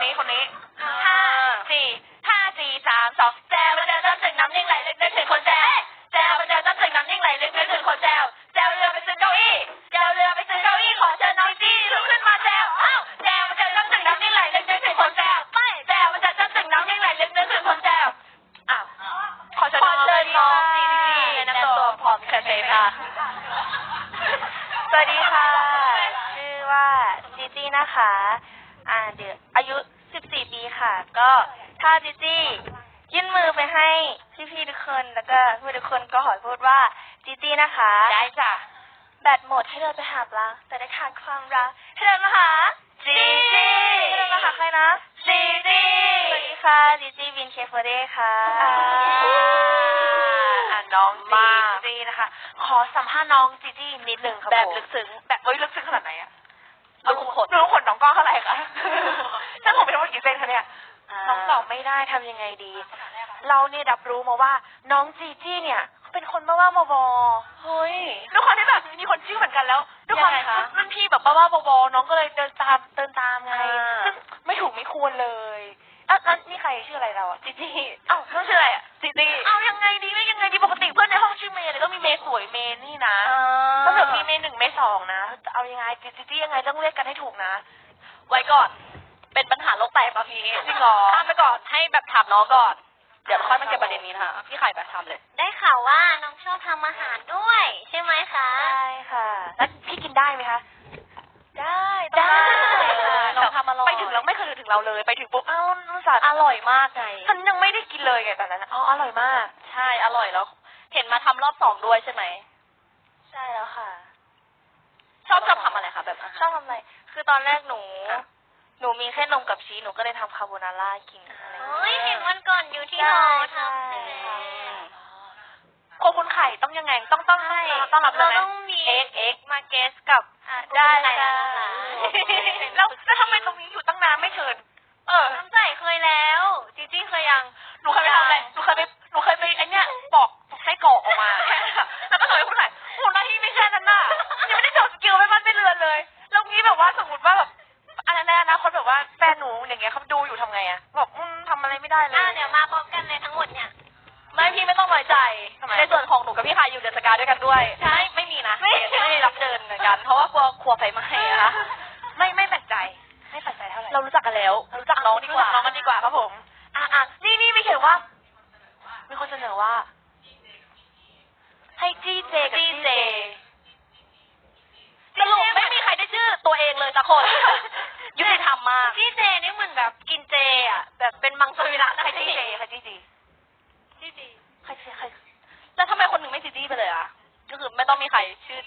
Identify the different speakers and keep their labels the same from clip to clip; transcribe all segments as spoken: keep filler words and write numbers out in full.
Speaker 1: นี้คนนี้ห้าสี่ห้าสี่สามสองแจวมาแจวจ้ำถึงน้ำนิ่งไหลลึกนึกถึงคนแจวแจวมาแจวจ้ำถึงน้ำนิ่งไหลลึกนึกถึงคนแจวแจวเรือไปซื้อเก้าอี้แจวเรือไปซื้อเก้าอี้ขอเชิญน้องจี้ลุกขึ้นมาแจวอ้าวแจวมาแจวจ้ำถึงน้ำนิ่งไหลลึกนึกถึงคนแจวไม่แจวมาแจวจ้ำถึงน้ำนิ่งไหลลึกนึกถึงคนแจวอ้าวขอเชิญน้องจี้แนะนำตัวพร้อมเชิญเลยค่ะ
Speaker 2: สวัสดีค่ะ ชื่อว่าจีจี้นะคะอ่าเดี๋ยวอายุสิบสี่ปีค่ะ ก็ถ้าจีจี้ยื่นมือไปให้พี่ๆทุกคนแล้วก็ผู้ทุกคนก็ขอพูดว่าจีจี้นะคะ
Speaker 1: ได้จ้ะ
Speaker 2: แบตหมดให้เดินไปหาปลาแต่ได้ขาดความรักให้เดินมาหา
Speaker 1: จีจี้
Speaker 2: ให้เดินมาหาใครนะ
Speaker 1: จีจี้
Speaker 2: สวัสดีค่ะจีจี้วินเคฟเดย์ค่ะ
Speaker 1: น้องจีจี้นะคะขอสัมภาษณ์น้องจีจี้นิดนึงครับแบบลึกซึ้งแบบเอ้ยลึกซึ้งขนาดไหนอะรู้ขนรู้ขนน้องก้องเท่าไหร่คะถ้าผมเป็นทั้งหมดกี่เซนคะเนี่ยน้องตอบไม่ได้ทำยังไงดีเราเนี่ยรับรู้มาว่าน้องจีจี้เนี่ยเป็นคนบ้าๆบอๆเฮ้ยด้วยความที่แบบมีคนชื่อเหมือนกันแล้วด้วยความรุ่นพี่แบบบ้าๆบอๆน้องก็เลยเดินตามเดินตามไงซึ่งไม่ถูกไม่ควรเลยอ่ะแล้วนี่ใครชื่ออะไรเราอ่ะจีจี้เอ้าน้องชื่ออะไรอ่ะจีจี้เอ้ายังไงดีไม่ยังไงดีปกติเพื่อนในห้องชื่อเมย์เลยก็มีเมย์สวยเมย์นี่นะก็แบบมีเมย์หนึ่งเมย์สองนะเอายังไงจีจี้ยังไงต้องเรียกกันให้ถูกนะไว้ก่อนเป็นปัญหาโลกแตกตอนนี้จริงเหรอข้ามไปก่อนให้แบบถามน้องก่อนเดี๋ยวค่อยมาเก็บประเด็นนี้นะคะพี่ไข่แบบทำเลย
Speaker 3: ได้ข่าวว่าน้องชอบทำอาหารด้วยใช่ไหมคะ
Speaker 2: ใช่ค่ะ
Speaker 1: แล้วพี่กินได้ไหมคะ
Speaker 2: ได้
Speaker 1: ได้
Speaker 2: น้องทำอร่อย
Speaker 1: ไปถึงแล้วไม่เคยถึงเราเลยไปถึงปุ๊บอ้าวรู้สึก
Speaker 2: อร่อยมากไง
Speaker 1: ฉันยังไม่ได้กินเลยไงตอนนั้นอ๋ออร่อยมาก
Speaker 2: ใช่อร่อยแล้วเห็นมาทำรอบสองด้วยใช่ไหมใช่แล้วค่ะ
Speaker 1: ชอบชอบทำอะไรคะแบบ
Speaker 2: ชอบทำอะไรคือตอนแรกหนูหนูมีแค่นมกับชีสหนูก็เลยทำคาโบนาร่ากินอะไรอย่างเงี้ย
Speaker 3: เฮ้ยเห็นวันก่อนอยู่ที่หอทำใช่ไหม
Speaker 1: โคคุณไข่ต้องยังไงต้องต้องให้ต้องรับเลย
Speaker 3: เราต้องมี
Speaker 2: เอ็กเอ็กมาเกสกับ
Speaker 3: ได้ค่ะ
Speaker 1: แล้วแล้วทำไมตรงนี้อยู่ตั้งนานไม่เชิญเออ
Speaker 3: น้ำใส่เคยแล้วจีจี้เคยยัง
Speaker 1: หนูเคยไปทำอะไรหนูเคยไปหนูเคยไปไอเนี้ยปอกไส้กรอกออกมาแล้วก็เลยคุณไข่โหหน้าที่ไม่แค่นั้นน่ะยังไม่ได้โชว์สกิลไม่มันไม่เรือนเลยแล้วงี้แบบว่าสมมติว่าแบบอันนั้นนะคนแบบว่าแฟนหนูอย่างเงี้ยเขาดูอยู่ทำไงอะแบบอืมทำอะไรไม่ได้เลย
Speaker 3: อ่าเดี๋ยวมาพร้อมกันเลยทั้งหมดเนี่ย
Speaker 1: ไม่พี่ไม่ต้องน้อยใจในส่วนของหนูกับพี่ไข่อยู่เดือนสกาด้วยกันด้วย
Speaker 3: ใช่
Speaker 1: ไม่มีนะไม่ไม่ได้รับเชิญเหมือนกันเพราะว่ากลัวครัวไฟไหม้นะคะไม่ไม่แปลกใจไม่แปลกใจเท่าไหร่เรารู้จักกันแล้วรู้จักน้องดีกว่าน้องกันดีกว่าครับผมอ่ะอ่ะนี่นี่มีเขียนว่ามีคนเสนอว่าให้จี้เจกับจี้เจสรุปไม่มีใครได้ชื่อตัวเองเลยสักคนยุติธรรมมาก
Speaker 3: จี้เจนี่เหมือนแบบ
Speaker 1: กินเจอ่ะแบบเป็นมังสวิรัติใครจี้เจใครจี้จี
Speaker 3: จี้จี
Speaker 1: ใครใครแล้วทำไมคนหนึ่งไม่จี้จี้ไปเลยอ่ะก็คือไม่ต้องมีใครชื่อ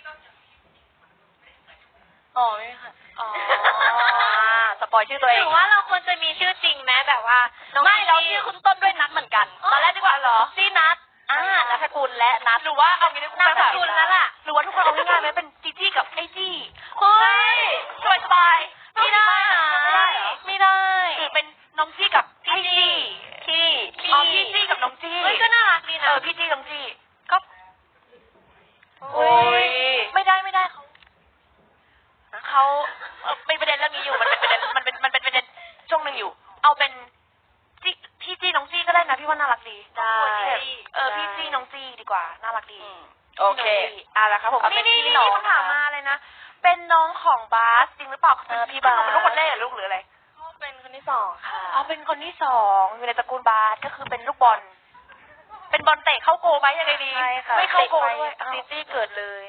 Speaker 1: อ๋อไม่ค่ะอ๋อสปอยชื่อตัวเอง
Speaker 3: หรือว่าเราควรจะมีชื่อจริงไหมแบบว่า
Speaker 1: ไม่เราชื่อคุณต้นด้วยนัดเหมือนกันตอนแรกดีกว่าเหรอซี่นัดอ่านัทกุลและนัดหรือว่าเอางี้ดีกว่า
Speaker 3: นัทกุลแล้วล่ะ
Speaker 1: หรือว่าทุกคนเอาง่ายๆไหมเป็นจีจี้กับไอจี้เฮ้ยสบายสบาย
Speaker 2: ไม่ได้
Speaker 1: ไม่ได้หรือเป็นน้องจี้กับพี่จี้พี่อ๋อพี่จี้กับน้องจี้
Speaker 3: เฮ้ยก็น่ารักดีนะ
Speaker 1: เออพี่จี้น้องจี้ก็โอ้ยไม่ได้ไม่ได้เขาเขาเป็นประเด็นเรื่องนี้อยู่มันเป็นประเด็นมันเป็นมันเป็นประเด็นช่วงหนึ่งอยู่เอาเป็นจี้พี่จี้น้องจี้ก็ได้นะพี่ว่าน่ารักดี
Speaker 2: ได้
Speaker 1: เออพี่จี้น้องจี้ดีกว่าน่ารักดี
Speaker 2: โอเค
Speaker 1: อ่ะละครับผมนี่นี่นี่คำถามมาเลยนะเป็นน้องของบาสจริงหรือเปล่า
Speaker 2: เออพี่บาส
Speaker 1: เป็นลูกคนแรกหรือลูกหรืออะไร
Speaker 2: เป็นคนที่สองค่ะ
Speaker 1: อ๋อเป็นคนที่สองอยู่ในตระกูลบาสก็คือเป็นลูกบอลเป็นบอลเตะเข้าโกไหมยังไงดี
Speaker 2: ใช่ค่ะ
Speaker 1: ไม่เข้าโกด้วย
Speaker 2: จีจี้เกิดเลย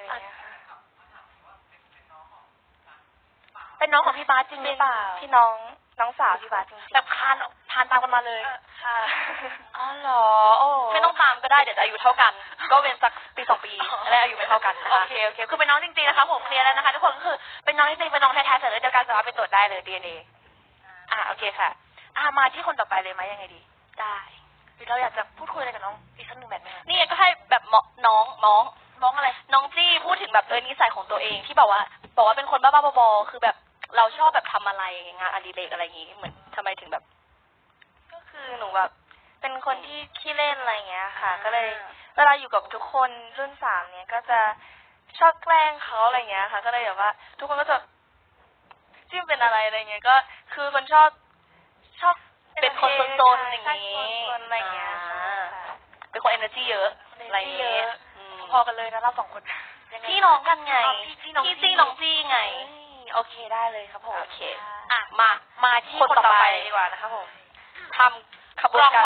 Speaker 1: เป็นน้องของพี่บาสจริงหรือเปล่า
Speaker 2: พี่น้องน้องสาวพี่บาสจริง
Speaker 1: แบบคานคานตามกันมาเลย
Speaker 2: ค่ะ
Speaker 1: อ๋อเหรอโอ้ไม่ต้องตามก็ได้เดี๋ยวจะอายุเท่ากันก็เว้นสักปีสองปีแล้วอายุไม่เท่ากันโอเคโอเคคือเป็นน้องจริงๆนะคะผมเคลียร์แล้วนะคะทุกคนก็คือเป็นน้องจริงๆเป็นน้องแท้ๆแต่เดียวกันสามารถไปตรวจได้เลย ดี เอ็น เอ อ่าโอเคค่ะอ่ามาที่คนต่อไปเลยไหมยังไงดีได้หรือเราอยากจะพูดคุยอะไรกับน้องอีกสักหนึ่งแบบไหมนี่ก็ให้แบบน้องน้องน้องอะไรน้องจี้พูดถึงแบบเออนิสัยของตัวเองที่บอกว่าบอกว่าเป็นคนบ้าๆบอๆคือแบบเราชอบแบบทำอะไรงานอดิเรกอะไรอย่างงี้เหมือนทำไมถึงแบบ
Speaker 2: ก็คือหนูแบบเป็นคนที่ขี้เล่นอะไรอย่างเงี้ยค่ะก็เลยเวลาอยู่กับทุกคนรุ่นสามเนี้ยก็จะชอบแกล้งเขาอะไรเงี้ยค่ะก็เลยแบบว่าทุกคนก็จะจิ้มเป็นอะไรอะไรเงี้ยก็คือคนชอบชอบ
Speaker 1: เป็นคนโซนๆอย่าง
Speaker 2: ใช่
Speaker 1: นี้
Speaker 2: คนๆอะไรอย่างเงี้ย
Speaker 1: อ่า
Speaker 2: ค่ะ
Speaker 1: เป็นคน energy เยอะอะไรอย่าง
Speaker 2: เย
Speaker 1: เงี้ย
Speaker 2: อะ
Speaker 1: อืม
Speaker 2: พอกันเลยนะเราสองคนยังไง
Speaker 1: พี่น้องกันไง
Speaker 2: อ๋อพี่พี่น้อง
Speaker 1: พี่
Speaker 2: จี้
Speaker 1: จี้น้องจี้ไง
Speaker 2: เอ้ยโอเคได้เลยครับผม
Speaker 1: โอเค อ่ะ มา มาที่
Speaker 2: คนต่อไป
Speaker 1: ดีกว่านะคะผมทำขบวน
Speaker 2: ลอง
Speaker 1: การ